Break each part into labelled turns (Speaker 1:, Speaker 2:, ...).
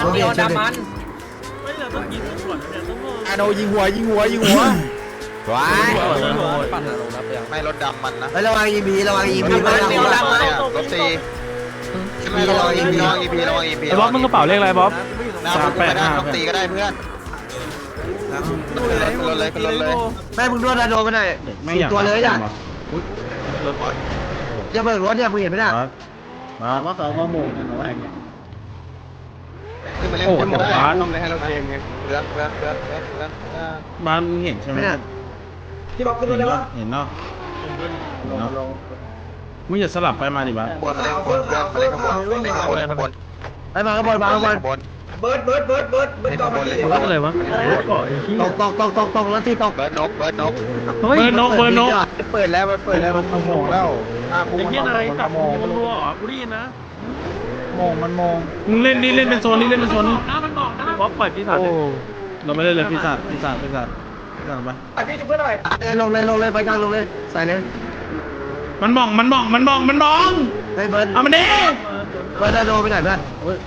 Speaker 1: มีออนดามัน
Speaker 2: ไม่เราต้องยิงสวนเนี่ยต้อง
Speaker 3: อาโนยิงหัวว้าย
Speaker 4: ไม่รถดำมันนะ
Speaker 5: ระวังอีบีระวังอีบีไม่ระวัง
Speaker 4: รถซีไม่ระวังอีพีระวังอีพีระวังอีพี
Speaker 2: ไอ้บ๊อบมึงกระเป๋าเลขอะไรบ๊อบ
Speaker 4: รถตีก็ได้เพื่อนขึ้นรถเลยขึ้นรถเลย
Speaker 5: แม่มึงด้วยนะโดนไปหน่อยตัวเลยจ้ะจะเบิกรถเนี่ยมึงเห็นไหมน่ะ
Speaker 3: มาว่าเขามาโมงนะน้องแอง
Speaker 4: ขึ้นมาเล่นขึ้นมาได้ต้องได้ให้เราเองไงเรื่อง
Speaker 3: บ้านมึงเห็นใช่ไหม
Speaker 5: ที่บอกขึ้นรถได้ปะ
Speaker 3: เห็นเนาะมึงอย่าสลับไปมาดิบ้า
Speaker 4: บนมาเล่นขบวนมาเล่นขบวนเล่นขบวนขบวน
Speaker 5: ไปมาขบวนมาขบวน
Speaker 4: ขบวน
Speaker 5: เบิร์ดต่อมาดิ
Speaker 2: อะไรวะ
Speaker 5: ตกแล้วที่ตก
Speaker 4: เบิร์ดนกเบิร์ดนก
Speaker 2: เฮ้ยนกเบอร์นก
Speaker 5: เปิดแล้วมันเปิดแล้วมันโมงแล้ว
Speaker 2: ไอ้เหี้ยนายตัดมันรัวอ๋อกูได้ยินนะ
Speaker 3: มึงเล่นนี่เล่นเป็นโซนนี่เล่นเป็นโซนนี่
Speaker 2: มันบอกนะบ๊อบปล่อยพี่สัตว์
Speaker 3: เราไม่เล่นเลยพี่สัตว์ไป
Speaker 5: พี่จะเพื่อนหน่อยลงเลยไปกลางลงเลยใส่เลย
Speaker 3: มันมอง
Speaker 5: เฮ้ยเบิร์ด
Speaker 3: เอามันดิ
Speaker 5: เบิร์ดโดนไปไหนเพื่อน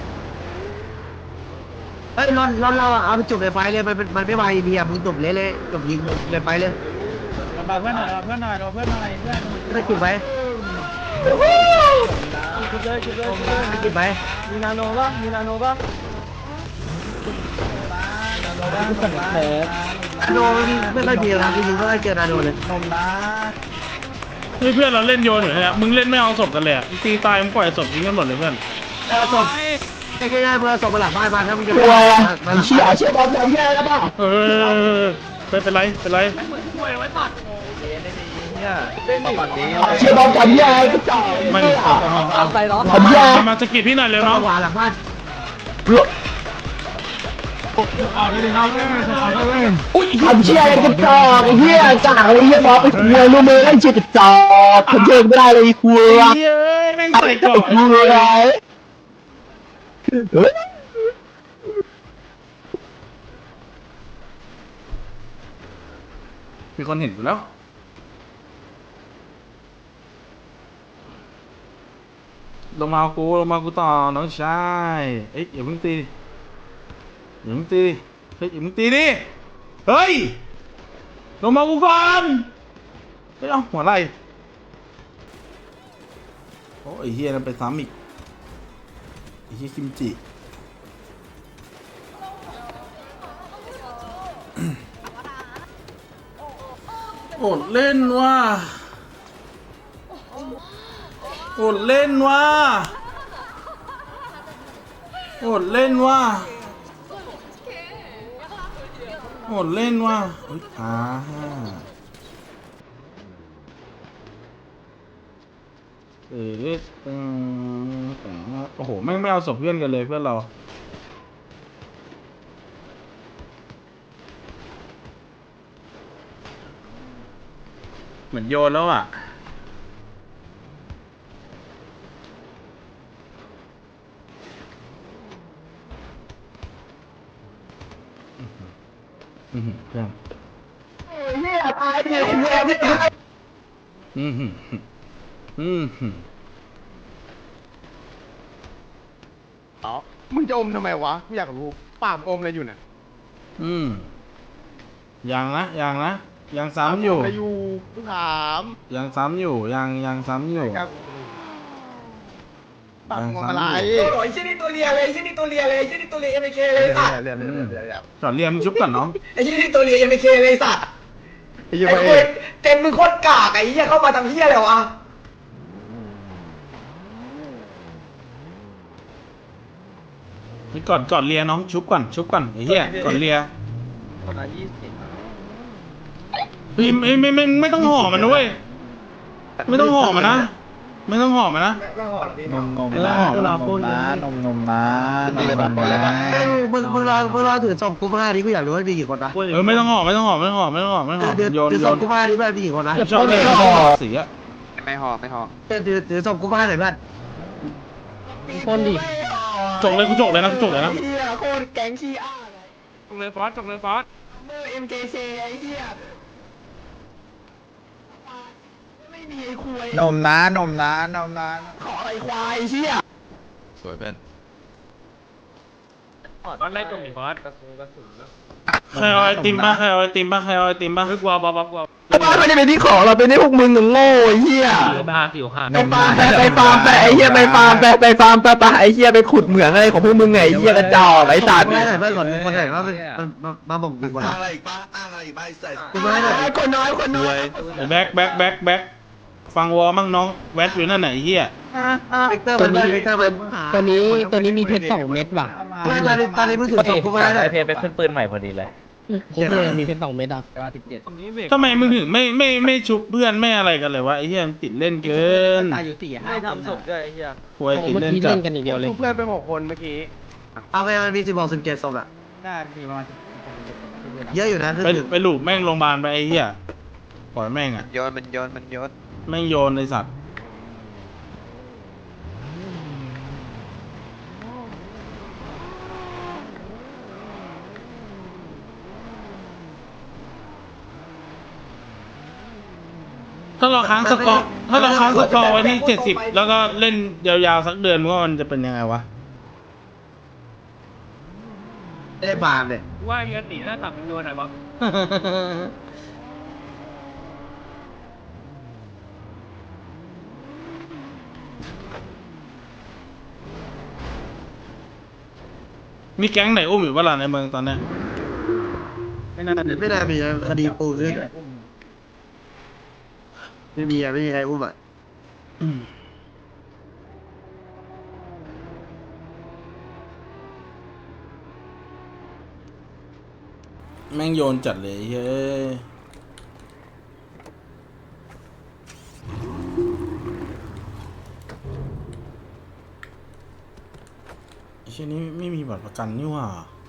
Speaker 5: เฮ้ยเราเอาไปจุบในไฟเลยมันไม่ไหวมีอ่ะมึงจุบเลยจุบยิงเลยไฟเลยเพื่อนหน่อยได้จุบไปจุบไปมีนาโนป่ะนาโนไม่ค่อยดีนะจริงๆก็ได้เจอนาโนเลย
Speaker 3: เฮ้ยเพื่อนเราเล่นโยนอยู่เนี่ยมึงเล่นไม่เอาศพกันเลยตีตายมึงปล่อยศพทิ้งกันหมดเลยเพื่อน
Speaker 5: เอาศพง่ายๆเมื่อศพมาหลังบ้านมาถ้ามึงจะมันเชี่ยบอลจำแย่แล้วป่ะ
Speaker 3: เป็นไร
Speaker 4: ปัดนี้
Speaker 5: เชี่ยบอลจำแย่ก็จ่าย
Speaker 3: มัน
Speaker 5: อะไรเนาะ
Speaker 3: มาสกิดพี่หน่อยเร็วเนาะ
Speaker 5: ขวาหลังบ้านทำเชี่ยอะไรกันจ่อไอ้เหี้ยจ่าไอ้เหี้ยบอลไปคุยรู้มือไอ้เชี่ยกระจอกทำเชี่ยไม่ได้เลยคุย
Speaker 3: เฮ้ยแม่งใส่ก่อน
Speaker 5: คุยอะไรเฮ้ย
Speaker 3: มีคนเห็นอยู่แล้วลงมากูต่อน้องชายเอ้ยอย่าเพิ่งตีเฮ้ยอย่าเพิ่งตีดิเฮ้ยลงมากูก่อนไม่เอาหัวไหล่โอ้ยเฮียนั่นไปซ้ำอีกไอ้เฮียคิมจิอดเล่นว่ะอดเล่นว่ะเฮ้ยโอ้โหแม่งไม่เอาศพเพื่อนกันเลยเพื่อนเราเหมือนโยนแล้วอ่ะเพื่อน
Speaker 5: เนี่ยตายเนี่ยไม่ตาย
Speaker 4: อ๋อมึงจะอมทำไมวะกูอยากรู้ปากอมอะไรอยู่เนี่ย
Speaker 3: ยังซ้ำอยู่
Speaker 4: อะไรอยู่ถาม
Speaker 3: ยังซ้ำอยู่ยังซ้ำอยู่
Speaker 4: ปากอมอะไร
Speaker 5: โอ้ยชิ้นนี้ตัวเลียเลยชิ้นนี้ตัวเลียเอ็มเคเลยสัตว์
Speaker 3: จอดเรียมชุบก่อนน้อง
Speaker 5: ไอ้ชิ้นนี้ตัวเลียเอ็มเคเลยสัตว์
Speaker 4: ไอ้ยี่
Speaker 5: ไอ้
Speaker 4: ห้อ
Speaker 5: เต็มเต็มมึงโคตรกากไอ้เหี้ยเข้ามาทำเหี้ยอะไรวะ
Speaker 3: นี่ก่อนเลียน้องชุบก่อนไอ้เหี้ยก่อนเลีย
Speaker 4: คนละ20
Speaker 3: เฮ้ยไม่ต้องห่อมันนะเว้ยไม่ต้องห่อมันนะนมนะ
Speaker 5: มึงรอถือศพกูมาดิกูอยากรู้ว่ามีกี่คนนะ
Speaker 3: ไม่ต้องห่อโยน
Speaker 5: ถือศพกูมาดิแบบมีกี่คนนะ
Speaker 3: ชอบเลยสีอะ
Speaker 4: ไม่ห่อ
Speaker 5: ถือศพกูมาหน่อยเพื่อน
Speaker 2: คนดิ
Speaker 3: จกเลยนะ
Speaker 5: เหี้ยโคตรแก๊งขี้อ้า
Speaker 2: จงเลยฟอส
Speaker 5: เมื่อ MKC ไอ้เหี้ยไม่มีไอ้คุย
Speaker 4: นมนะ
Speaker 5: ขอไอ้ควายเหี้ย
Speaker 4: สวยเป็น
Speaker 2: มันได้ตรงนี้บอส
Speaker 3: ใครเอาไอติมบ้างใครเอาไอติมบ้างใครเอาไอติมบ้าง
Speaker 2: กลัวบอสกลัว
Speaker 5: บ้านไม่ได้เป็นที่ของเราเป็นที่พวกมึงโง่ไอ้เหี้ย
Speaker 2: ผิวห่าง
Speaker 5: ไปฟาร์มไปฟาร์มไปไอ้เหี้ยไปฟาร์มไปฟาร์มไปไอ้เหี้ยไปขุดเหมืองอะไรของพวกมึงไงไอ้เหี้ยกระจอกไอ้สัตว์ไม่ได้เพื่อนก่อนคนไหนว่ามาบอกกูก่อน
Speaker 1: อะไรอีกป้าอะไรอีกป้าใส่
Speaker 5: กูไม่ได้คนน้อยคนน้อย
Speaker 3: แบ็คฟังวอมั่งน้องแวดอยู่นั่นไหนเฮีย
Speaker 5: เวกเตอร์มันเวกเตอร์มัน
Speaker 6: ตัวนี้มีเพชร2 เม็ดว่ะ
Speaker 5: ไม่ตอนนี้มึงถือศพกูมาได้
Speaker 7: ไอเพจเป็นขึ้นปืนใหม่พอดีเลย
Speaker 6: ผมเลยมีเพชร2 เม็ดอ่ะ
Speaker 2: ตรงนี้เบรก
Speaker 3: ทำไมมึงถึงไม่ชุบเพื่อนไม่อะไรกันเลยวะไอ้เฮียติดเล่นเกิน
Speaker 7: ไม่ทำศพด้วยไอ้เหี้ย
Speaker 3: หวยติด
Speaker 6: เมื่อ
Speaker 3: เล่น
Speaker 6: กี้
Speaker 3: จัด
Speaker 6: เล่นกันอย่างเดียวเลย
Speaker 4: เพื่อนไป6 คนเมื่อกี้
Speaker 5: เอาไปมันมี17ศพอะ
Speaker 6: ได้มีประมาณ
Speaker 5: เยอะอยู่นะคือ
Speaker 3: ไปหลูบแม่งโรงพยาบาลไปไอ้เฮียปล่อยแม่งอ่ะ
Speaker 4: โยนมันโยน
Speaker 3: แม่งโยนในสัตว์ถ้าเราค้างสกอร์ไว้ที่70แล้วก็เล่นยาวๆสักเดือนว่ามันจะเป็นยังไงวะ
Speaker 5: ได้ฟาร์มเนี่ย
Speaker 2: ว่าเงี้ยตีหน้าตับเป็นโดนไหนบอส
Speaker 3: มีแก๊งไหนอุ้มอยู่บ้างในเมืองตอนเนี้ย
Speaker 5: ไม่น่ามีคดีปูขึ้นไม่มีใครอุ้มอ่ะ
Speaker 3: แม่งโยนจัดเลยเฮ้ยไอ้เช่นนี้ไม่มีบัตรประกันนี่หว่า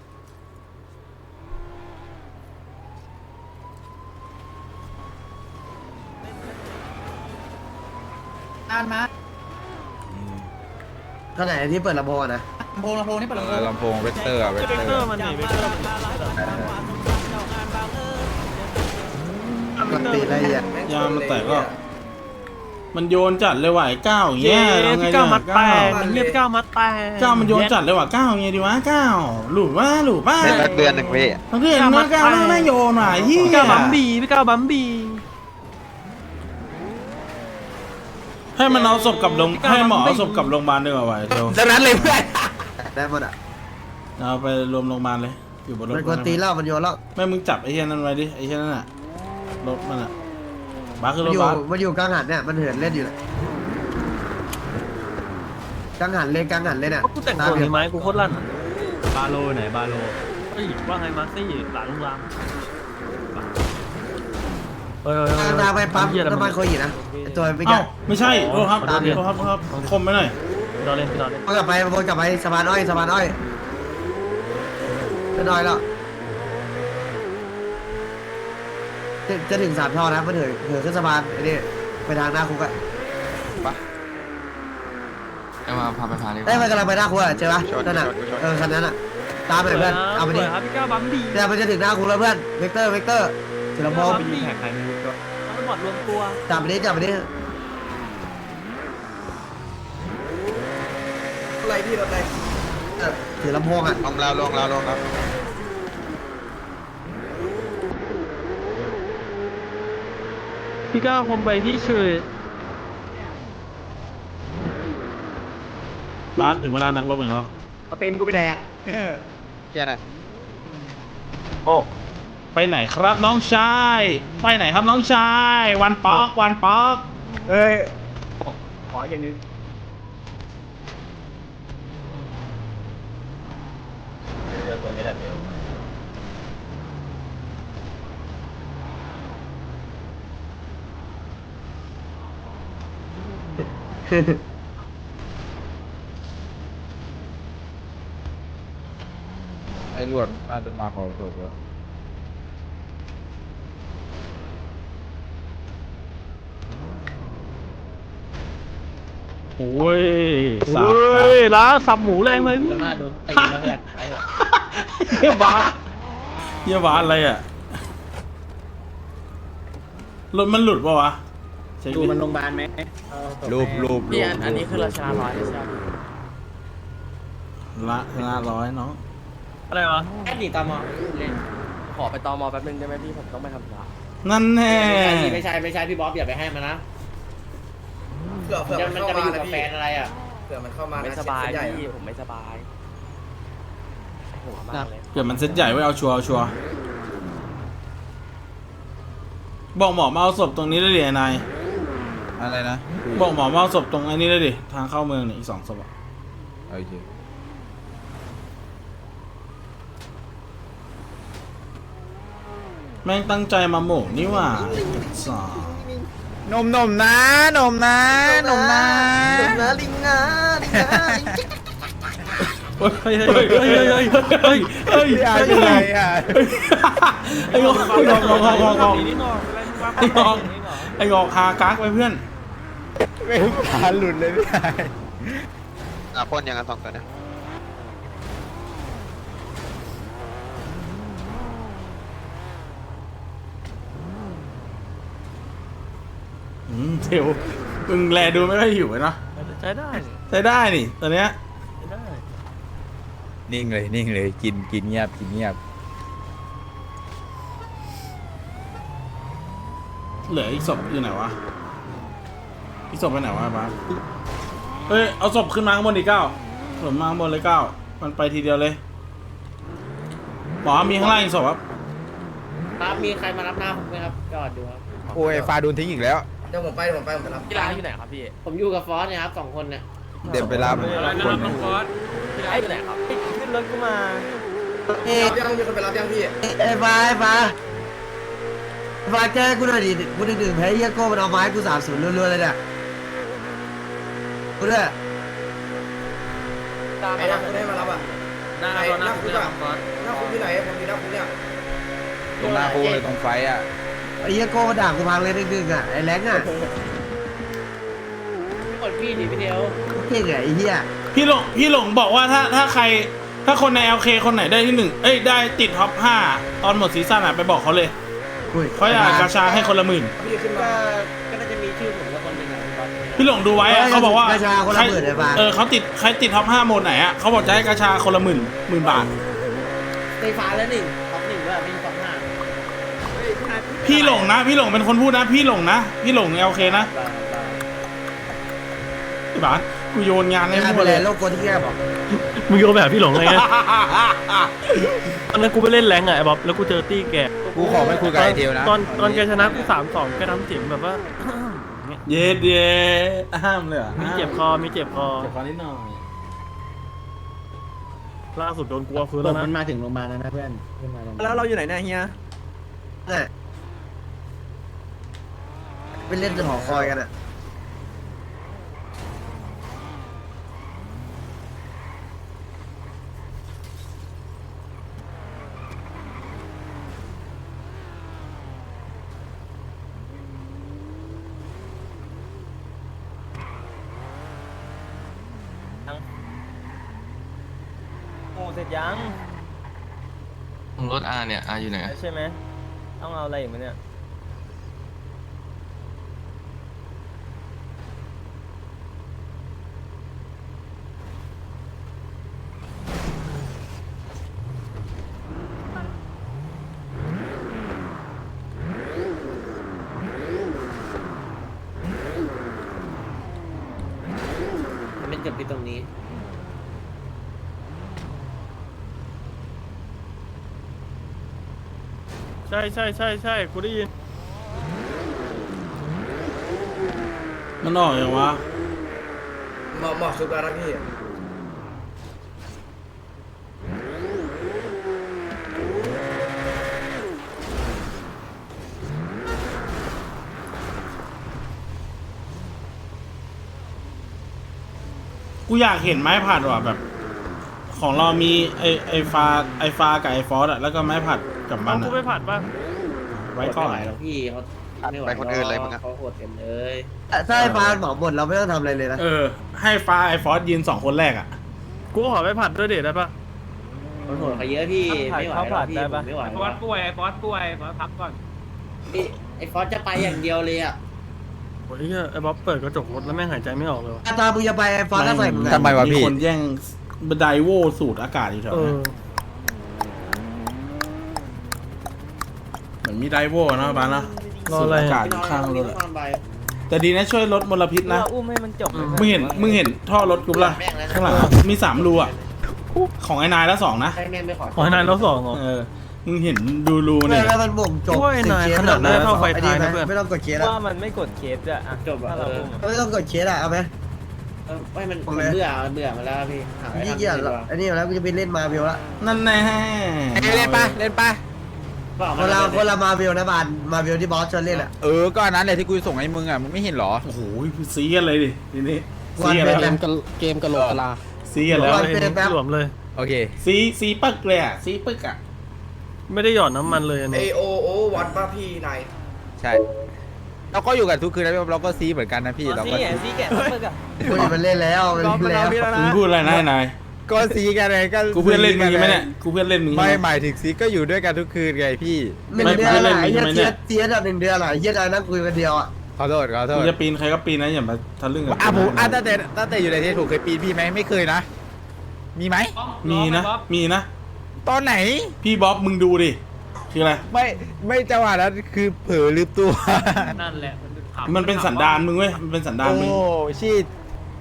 Speaker 5: ก็ไหนที่เปิดลำโพงนะ
Speaker 7: ลำโพงเวกเตอร์เวก
Speaker 2: เบรก
Speaker 7: เต
Speaker 2: เต
Speaker 7: อ
Speaker 2: อ
Speaker 7: ร์
Speaker 2: ร์มันหนีเบรกเตอร์มัน
Speaker 5: มันตีอะไรอ่ะ
Speaker 3: ยามันแตกก็ มันโยนจัดเลยว่ะไอ้ก้าวอย่างเงี้ยเราไง
Speaker 2: พี่
Speaker 3: เนี่ย
Speaker 2: ก้าวมัดแต
Speaker 3: ก้าว
Speaker 2: กเรียกก้าวมัดแตก
Speaker 3: ก้าวมันโยนจัดเลยว่ะก้าวอย่างเงี้ยดีวะก้าวหลุดว่า
Speaker 4: เล่นสักเดือนหนึ่งพี่
Speaker 3: เพื่อนนะก้าวแม่งโยนว่ะไอ้เหี้ย
Speaker 2: พี่ก้าวบัมบี้พี่ก้าวบัมบี้
Speaker 3: ให้มันเอาศพกลับโรงให้หมอเอาศพกลับโรงพยาบาลดีกว่าว่ะเดี๋ยว
Speaker 5: ดังนั้นเลยเพื่อนได้หมดอ่ะ
Speaker 3: เอาไปรวมโรงพยาบาลเลยอยู่บนรถ
Speaker 5: มันกวนตีแล้วมันโยนแล้ว
Speaker 3: แม่มึงจับไอ้เหี้ยนั่นไว้ดิไอ้เหี้ยนั่นน่ะรถมันอ่ะบ้าคือรถ
Speaker 5: อยู่
Speaker 3: บัส
Speaker 5: มันอยู่กลางหันเนี่ยมันเหินเล่นอยู่เลยกลางหันเล่นอ่ะ
Speaker 2: กูแต่งตัวนี้ไหมกูโคตรลั่นบาโลไหนบาโลเฮ้ยว่าไงมาซี่หลังลุงรามเฮ้ย
Speaker 5: ตามไปปั๊ม
Speaker 2: เหี้ยอะไร
Speaker 5: น้ำมันโคอีนะไอตัวไม่แก่
Speaker 3: เอ้าไม่ใช่โทษครับโทษครับคมไปหน่อย
Speaker 2: นอนเล่นพี่นอนเล่น
Speaker 5: วนกลับไปสะพานอ้อยจะน้อยแล้วจะถึง3 ท่อนะมันเหินขึ้นสะพานไอ้นี่ไปทางหน้าคุกอะ
Speaker 7: เอามาพาไปพาเลย
Speaker 5: ได้มันกำลังไปหน้าคุกอะเจอปะนั่นน่ะคันนั้นอะตามไปเพื่อนเอาไปดิ
Speaker 2: ครับพี่ก้าวบัมบี้
Speaker 5: เนี่ยมันจะถึงหน้าคุกแล้วเพื่อนเวกเตอร์ถึงลำโพง
Speaker 2: ไปยิงแข่งใครไม่รู้ก็ทั้งหมดรวมตัว
Speaker 5: จับไปดิอะไรพี่รถอะไรถือลำโพงอะ
Speaker 4: ลงแล้ว
Speaker 2: พี่ก้าวคมไปที่เฉย
Speaker 3: บ้านถึงเวลานักรบอย่างเรา
Speaker 5: เอาเต็มกูไปแดก
Speaker 4: แค่นั้น
Speaker 3: โอ้ไปไหนครับน้องชายไปไหนครับน้องชายวันป๊อก
Speaker 5: เอ้ยขออย่างนึง
Speaker 7: ไอ้รวดน่าจะมาขอศพแล้ว
Speaker 3: โอ้ย
Speaker 2: เฮ้ยร้านสับหมูแรงเลย
Speaker 6: แล้วหน้าโดนตีแล้วแหละ
Speaker 3: เฮียบ้าอะไรอ่ะรถมันหลุดปะวะเช็ค
Speaker 6: ดู
Speaker 3: ดิ
Speaker 6: มันโรงพยาบาลไหม
Speaker 7: รูป
Speaker 6: พี่อันนี้คือราชาร้อยใช่ไหม
Speaker 3: ละชนะร้อยน้อง
Speaker 2: อะไรวะ
Speaker 6: แค่หนีตอมอเล่น
Speaker 1: ขอไปตอมอแป๊บนึงได้ไหมพี่ผมต้องไปทำธุระ
Speaker 3: นั่นแน่
Speaker 6: ไม่ใช่พี่บ๊อบอย่าไปให้มันนะ
Speaker 4: เผื่อ
Speaker 6: มันจะไปอยู่กับแฟนอะไรอ่ะ
Speaker 4: เผื่อมันเข้ามา
Speaker 1: ไม่สบายพี่ผมไม่สบายหัวมากเลย
Speaker 3: เกิดมันเซ็ตใหญ่ไว้เอาชัวร์เอาชัวร์บอกหมอมาเอาศพตรงนี้ได้ดินาย
Speaker 7: อะไรนะ
Speaker 3: บอกหมอมาเอาศพตรงไอ้นี้ได้ดิทางเข้าเมืองเนี่ยอีก2 ศพอะ
Speaker 7: โอเค
Speaker 3: แม่งตั้งใจมาโหมกนี่หว่าสา
Speaker 7: นมนะนมนะนมนะ
Speaker 4: ลิงนะลิงนะ
Speaker 2: เฮ้ยเฮ้ยเฮ้ยเฮ้ยเฮ้ยเฮ้ย
Speaker 7: พี่อาร์เป็นไรอ่ะ
Speaker 3: ไอ้งอกไอ้งอกไอ้งอกฮากักไปเพื่อน
Speaker 7: ไม่ขาหลุดเลยพี่อาร์
Speaker 4: พ่นยังกัน2ตัวนะ
Speaker 3: เทลมึงแลดูไม่ค่อยหิวเลยเนาะ
Speaker 2: ใช้ได้
Speaker 3: ใช้ได้นี่ตอนเนี้ย
Speaker 2: ใช้ได้
Speaker 7: นิ่งเลยกินเงียบกินเงียบ
Speaker 3: เหลืออีกศพอยู่ไหนวะอีกศพไปไหนวะบ้าสเฮ้ยเอาศพขึ้นมาข้างบนดิศพมาข้างบนเลยมันไปทีเดียวเลยหมอมีข้างล่างอีกศพครับ
Speaker 6: ครับมีใครมารับหน้าผมไหมครับจอดดูครับ
Speaker 7: โอ้ยฟาโดนทิ้งอีกแล้ว
Speaker 4: เดี๋ยวผมไปรับ
Speaker 1: ที่ร้านอยู่ไหนครับพี่
Speaker 6: ผมอยู่กับฟอสเนี่ยครับ2 คนเนี่ย
Speaker 7: เดี๋ยวไปรับ
Speaker 2: อะไรนะ
Speaker 7: คน
Speaker 2: น้องฟอส
Speaker 1: ที่ร้านอยู่ไหนครับ
Speaker 2: ขึ้นรถกูมา
Speaker 4: รับยังมีคนไปรับยังพี่
Speaker 5: ไอ้ฟ้าแก้กูหน่อยดิกูดึงแพ้เฮียโก้มันเอาไม้กู30รัวๆเลยเนี่ยกูด้วย
Speaker 4: ไอ้นักคุณให้มารับอ่ะ
Speaker 2: หน้าเราหน้าคุณฟอส
Speaker 4: หน้าคุณที่ไหนผมมีหน้าคุณเนี่ย
Speaker 7: ตรงหน้าคูเลยตรงไฟอ่ะ
Speaker 5: ไอ้เฮียโก้ด่ากูพังเลยดึงๆอ่ะไอ้แรงอ่ะ
Speaker 6: กดพี่ดิพี่เทล
Speaker 5: เก่งอ่ะไอ้เฮีย
Speaker 3: พี่หลงบอกว่าถ้าคนใน LK คนไหนได้ที่1ได้ติดท็อป5ตอนหมดซีซั่นอ่ะไปบอกเขาเลย
Speaker 5: อุ้ย
Speaker 3: เขาอยากกาชาให้คนละ10,000
Speaker 4: พี่ขึ้นมา
Speaker 6: ก็น่าจะมีชื่อผมกับคนหนึ่งอ่ะพี่บ๊อบ
Speaker 3: พี่หลงดูไว้อะเขาบอกว่า
Speaker 5: กระชาคนละ10,000ไอ้ฟ้า
Speaker 3: เขาติดท็อป5โหมดไหนอะเขาบอกจะให้กาชาคนละ10,000 บาท
Speaker 6: ไฟฟ้าแล้ว1ท็อป1ด้วยไม่ใช่ท็อป5
Speaker 3: พี่หลงเป็นคนพูดนะพี่หลง LK นะไอ้บ้านกูโยนงานให้
Speaker 5: ไม่
Speaker 3: หม
Speaker 5: เป็
Speaker 3: ด
Speaker 5: น
Speaker 3: เล
Speaker 5: ไร
Speaker 3: ย
Speaker 5: โลกโกที่แกบอก
Speaker 2: มึงโยนแบบพี่หลงไงตอนนั้นกูไปเล่นแรงไงไอ้บ๊อบแล้วกูเจอตี้แก
Speaker 7: กูขอไม่คุยกับไอเทลนะ
Speaker 2: ตอนแกชนะกู3-2แกทำเสียงแบบว่า
Speaker 3: เย็ดห้ามเลยเหรอ
Speaker 2: มีเจ็บคอ
Speaker 3: เจ็บคอนิดหน่อย
Speaker 2: ล่าสุดโดนกลัวฟื้นแล้วนะ
Speaker 6: มันมาถึงโรงพยาบาลแล้วนะเพื่อนขึ้นมาโรงพยาบาล
Speaker 1: แล้วเราอยู่ไหนเนี่ยเฮีย
Speaker 5: เนี่ยไปเล่นหอคอยกันอ่ะ
Speaker 2: โอ้เสร็จยัง
Speaker 8: รถอาเนี่ยอาอยู่ไหน
Speaker 2: ใช่ไหมต้องเอาอะไรอีกไหมเนี่ย
Speaker 6: มันเกิดที่ตรงนี้
Speaker 2: ใช่กูได้ยิน
Speaker 3: มันออกอย่างวะ
Speaker 4: หมอกชุบแล้วนะพี่
Speaker 3: กูอยากเห็นไม้ผัดว่ะแบบ ของเรามีไอฟ้ากับไอฟอสอะแล้วก็ไม้ผัดกับมั
Speaker 2: เอา
Speaker 3: น
Speaker 2: กู
Speaker 3: อะ
Speaker 2: ไปผัดป่ะ
Speaker 3: ไว้ก่อน
Speaker 6: ไม่ไหวแล้วพี่เขาไม่ไหว
Speaker 4: ไปคนอื่นเลยมึงอะ
Speaker 6: เขาโหดเต็มเลย
Speaker 5: ถ้าไอ้ฟ้าหมอหมดเราไม่ต้องทำอะไรเลยนะ
Speaker 3: ให้ฟ้าไอฟอสยืน2 คนแรกอะ
Speaker 2: กูขอไปผัดด้วยเด็ดได้ป่ะ
Speaker 6: เขาโหดเขาเยอะพี่ไม่ไหวแล้วพี่ผมไม่ไหว
Speaker 2: ฟอสป่วยฟอสพักก่อน
Speaker 6: พี่ไอ้ฟอสจะไปอย่างเดียวเลยอ่ะ
Speaker 2: โอ้ยไอ้บ๊อบเปิดกระจกรถแล้วแม่งหายใจไม่ออกเลยว่ะ
Speaker 5: อาตามึงจะไปไอ้ฟ้าก็ใส่มึง
Speaker 7: ทำไมวะพี่
Speaker 3: มีคนแย่งบันไดโวสูดอากาศอยู่แถว
Speaker 2: เอ
Speaker 3: นั้
Speaker 2: อน
Speaker 3: เหมือนมีไดโวนะบ้านนะ
Speaker 2: รออะไร
Speaker 3: สูดอากาศอยู่ข้างรถอะแต่ดีนะช่วยลดมลพิษนะ
Speaker 1: อุ้มให้มันจบ
Speaker 3: มึงเห็นท่อรถกูปะล่ะข้างหลังอะมี3 รูอะของไอ้นายแล้ว2นะ
Speaker 2: ขอให้นายรถสองเหรอ
Speaker 3: มึงเห็นดูรูเนี่ย
Speaker 5: แล้วมันบ่งจบ
Speaker 2: โอ้ยนายขนาดนั้นเท่าไฟท้ายนะเพื่อน
Speaker 5: ไม่ต้องกดเคสอะ
Speaker 1: ว่ามันไม่กดเคสอะอ่ะจบถ้าเราอุ้มอะ
Speaker 5: ไม่ต้องกดเคสอะเอาไหม
Speaker 6: ไม่มันเบื่อมาแล้วพี่หาอะไร
Speaker 5: ยี่
Speaker 6: ทำ
Speaker 5: เกียจ
Speaker 6: ดีกว่า
Speaker 5: อันนี้แล้วกูจะไปเล่นมาเวลละ
Speaker 3: นั่นแน่
Speaker 7: เล่นปะเล่นปะ
Speaker 5: คนละมาเวลนะบานมาเวลที่บอสชวนเล่นอะ
Speaker 7: ก็อันนั้นแหละที่กูส่งให้มึงอ่ะมึงไม่เห็นเหรอ
Speaker 3: โอ้โหซีกันเลยดิทีนี้
Speaker 5: วั
Speaker 3: ซี
Speaker 5: น
Speaker 3: กัน
Speaker 5: เป็
Speaker 3: แล้
Speaker 5: น
Speaker 3: ว
Speaker 6: เกมกะโหลกกะลา
Speaker 3: ซีกันแล้ว
Speaker 5: วันเป็นแป๊บ
Speaker 2: หลวมเลย
Speaker 7: โอเค
Speaker 3: ซีปึ๊กเลยอ่ะซีปึ๊กอ่ะ
Speaker 2: ไม่ได้หยอดน้ำมันเลยอันนี้
Speaker 6: วัดป่ะพี่นาย
Speaker 7: ใช่เราก็อยู่กันทุกคืนนะเราก็ซีเหมือนกันนะพี่เราก็
Speaker 1: ซีแกะซับเปอร์อะ
Speaker 5: กูมันเล่นแล้วมันเล่นแล้ว
Speaker 3: มึงพูดอะไรนะไอ้นาย
Speaker 7: ก็ซีกันไงก็
Speaker 3: กูเพื่อนเล่นมึงใช่ไหมเนี่ยกูเพื่อนเล่นมึง
Speaker 7: ไม่
Speaker 3: ใช่ไห
Speaker 7: หมายถึงซีก็อยู่ด้วยกันทุกคืนไงพี่
Speaker 5: 1 เดือนอะไอ้เหี้ยเทียดอะ1 เดือนอะไอ้เหี้ยนายนั่งคุยกันเดียวอะ
Speaker 7: ขอโทษ
Speaker 3: มึงจะปีนใครก็ปีนนะอย่ามาทะลึ่งกับ
Speaker 7: ผมตั้งแต่อยู่ในเทสถูกเคยปีนพี่ไหมไม่เคยนะ มีไหม
Speaker 3: มีนะ
Speaker 7: ตอนไหน
Speaker 3: พี่บ๊อบมึงดูดิคืออะไร
Speaker 7: ไม่จังหวะนั้นคือเผลอลืมตัว
Speaker 2: นั่นแหละ
Speaker 3: มันเป็นสันดานมึงเว้ยมันเป็นสันดานมึง
Speaker 7: โอ้ชีต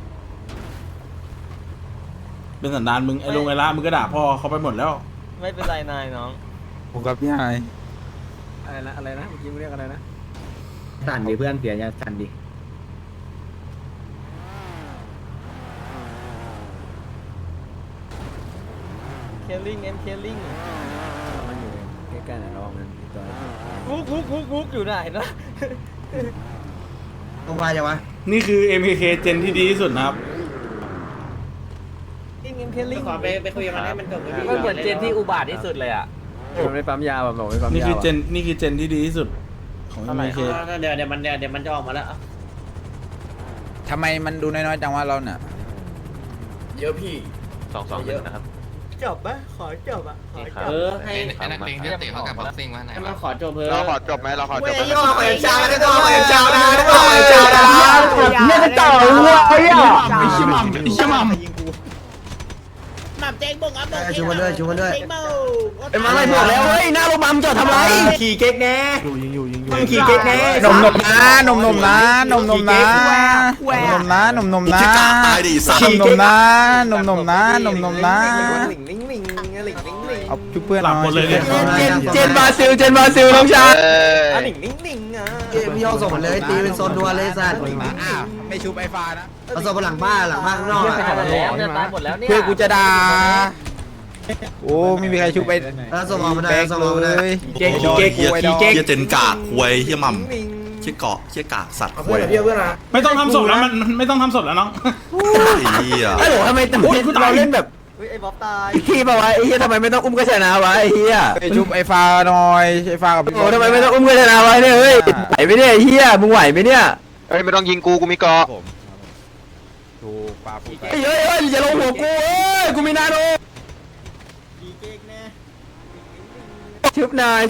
Speaker 3: เป็นสันดานมึงไอ้ลงไอ้ละมึงก็ด่าพ่อเขาไปหมดแล้ว
Speaker 1: ไม่เป็นไรนายน้อง
Speaker 7: ผมกับพี่ไฮ
Speaker 6: อะไรนะเมื่อกี้มึงเรียกอะไรนะ
Speaker 5: สั่นดิเพื่อนเสียอย่าสั่นดิ
Speaker 1: เคลลิงเคลลิง
Speaker 6: ใกล้ๆไหนลองกันตัว
Speaker 1: กุ๊กอยู่ไหนนะ
Speaker 5: ต้องไปยังวะ
Speaker 3: นี่คือ MKK เจนที่ดีที่สุดนะครับ
Speaker 1: เคลลิง
Speaker 6: ขอไปคุยกับมันให้มันจบ
Speaker 1: มันเหมือนเจนที่อุบาทที่สุดเลยอ่ะ
Speaker 6: มันไม่ปั๊มยาแบบบอกไม่ปั๊มยา
Speaker 3: นี่คือเจนที่ดีที่สุดของ MKK
Speaker 6: เดี๋ยวมันจะออกมาแล้ว
Speaker 7: ทำไมมันดูน้อยๆจังว่าเราเนี่ย
Speaker 6: เยอะพี่
Speaker 2: 2-1นะครับ
Speaker 1: จบปะขอจบอ่ะขอจบ
Speaker 6: ให้
Speaker 8: ไอ้นักเลงที่เตะเข้ากับบ็อกซิ่งวะไหน
Speaker 6: ให้มัน
Speaker 8: วะ
Speaker 6: ขอจบเพิ่
Speaker 4: เราขอจบไหมเราขอจบไหม
Speaker 5: ย่อไปเช้าแล้วก็ไปเช้านะก็ไปเช้านะเนี่ยจะต่อหัวไอ้อะ
Speaker 3: ไอ้ชิมัม
Speaker 6: หม่ำเจ๊งบุกอ่ะบุก
Speaker 5: ชูมันด้วยชูมันด้วย
Speaker 6: เจ๊งเมา
Speaker 5: ไอ้มาอะไรบอกแล้วเฮ้ยหน้าโรงพยาบาลจอดทำไรขี่เก๊กแน่
Speaker 3: ยิงอยู่
Speaker 5: ขี่เก๊กแน่
Speaker 7: นมนะนมนะนมนะนมนะนมนะขี่นมนะนมนะ
Speaker 1: หลิงลิงลิงหลิงลิงลิง
Speaker 7: เอาชุบเพื่อน
Speaker 3: หลับหมดเลยเนี่ย
Speaker 5: เจนบราซิลน้องชาย
Speaker 1: หลิงลิงลิงอ่ะ
Speaker 5: พี่ยองส่งมันเลยตีเป็นโซนดัวเลยสัตว์
Speaker 7: ไม่ชุบไอ้ฟ้านะ
Speaker 5: เอาส่งไปหลังบ้านข้างนอก
Speaker 1: ตายหมดแล้วเนี่ยตายหมดแล้วเนี่ย
Speaker 7: เพื่อกูจะด่าโอ้ไม่มีใครชุบไป
Speaker 5: แล้วส่งออกมาได้ส่งออกมาได้
Speaker 7: เก๊กเก๊ก
Speaker 9: เฮียเจนกากควยเฮียมัมเฮียเกาะเฮียกากสัตว์ควย
Speaker 3: ไม่ต้องทำศพแล้วมันไม่ต้องทำศพแล้วน้อง
Speaker 9: เฮีย
Speaker 5: ไอ้โหทำไมเราเล่นแบบ
Speaker 1: เฮ้ยไอ้บ๊อบตาย
Speaker 5: พี่บอกว่าไอ้เหี้ยทำไมไม่ต้องอุ้มก็ชนะวะไอ้เหี้ย
Speaker 7: ไปชุบไอ้ฟ้าหน่อยไอ้ฟ้ากับ
Speaker 5: โอ้ทำไมไม่ต้องอุ้มก็ชนะวะเนี่ยเฮ้ยไหวไหมเนี่ยไอ้เหี้ยมึงไหวไหมเนี่ย
Speaker 4: เฮ้ยไม่ต้องยิงกูมีเกาะ
Speaker 7: ถูกปลาผูก
Speaker 5: เฮ้ยอย่าลงหัวกูเอ้ยกูมีนาโนชุบนาย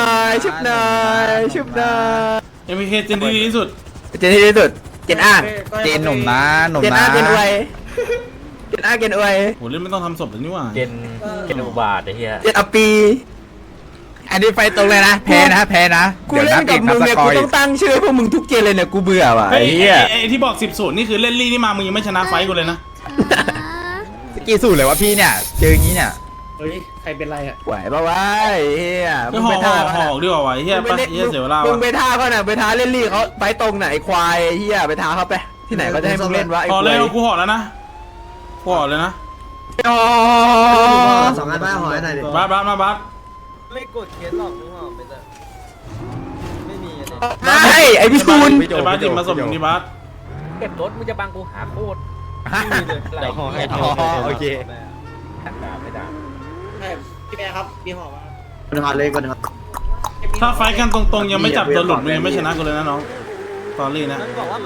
Speaker 3: MKK เจนที่ดีที่สุด
Speaker 5: เจนที่ดีสุดเจนอ้าง
Speaker 7: เจนหนุ่มนะหนุ่ม
Speaker 5: เจน
Speaker 7: นะ
Speaker 5: อ้างเจนอวยเจนอ้างเจนอวย
Speaker 3: โหเล่นไม่ต้องทำศพแล้วนี่หว่า
Speaker 1: เจนอุบาทไอ้เหี้ย
Speaker 5: เจนอปี
Speaker 7: อันนี้ไฟตรงเลยนะแพ้นะ
Speaker 5: กูเล่นกับมึงเนี่ยกูต้องตั้งชื่อให้พวกมึงทุกเจนเลยเนี่ยกูเบื่อว่ะ
Speaker 3: ไอ้
Speaker 5: ไอ้เหี้ย
Speaker 3: ที่บอก10-0นี่คือเล่นลี่นี่มามึงยังไม่ชนะไฟกูเลยนะ
Speaker 7: กี่สูตรเลยวะพี่เนี่ยเจออย่างนี้เนี่ย
Speaker 6: เฮ้ยใครเป็นไรอ่ะ
Speaker 5: ไหวปะวะไอ้เหี้ย
Speaker 3: ก็ห่อดีกว่าไอ้เฮีย
Speaker 5: มึ
Speaker 3: ปะ
Speaker 5: ง
Speaker 3: เฮียเสียเวลา
Speaker 5: มึ
Speaker 3: วะ
Speaker 5: งไปท่าเขาน่ะไปท้าเล่นลี่เขาไปตรงไหนควายไอ้เหี้ยไปท้าเขาไปที่ไหนเขาจะให้มึงเล่นวะไอ้
Speaker 3: ห่อ
Speaker 5: ควา
Speaker 3: เลย
Speaker 5: ย
Speaker 3: กูห่อแล้วนะกูห่อเลยนะ
Speaker 5: สองอันบ้าหอยหน่อยดิ
Speaker 3: บัสมาบัส
Speaker 1: ไม่กดเคสหรอกนึกออกไหมแต่ไม่มีอะไร
Speaker 5: ไม่ไอ้พี่ตูน
Speaker 3: ไอ้บัสจิมมาสมที่บัส
Speaker 1: เก็บรถมึงจะบังกูหาโคตร
Speaker 6: เดี๋ยวห่อให้
Speaker 7: โอเค
Speaker 1: ไม่ด่า
Speaker 6: ให้พี่แม่ครับมีห่อมา
Speaker 5: คนหอเลยคนหอ
Speaker 3: ถ้าไฟกันตรงๆยังไม่จับตัวหลุดมึงยังไม่ชนะกูเลยนะน้องตอรี่นะ
Speaker 1: มันบอกว่า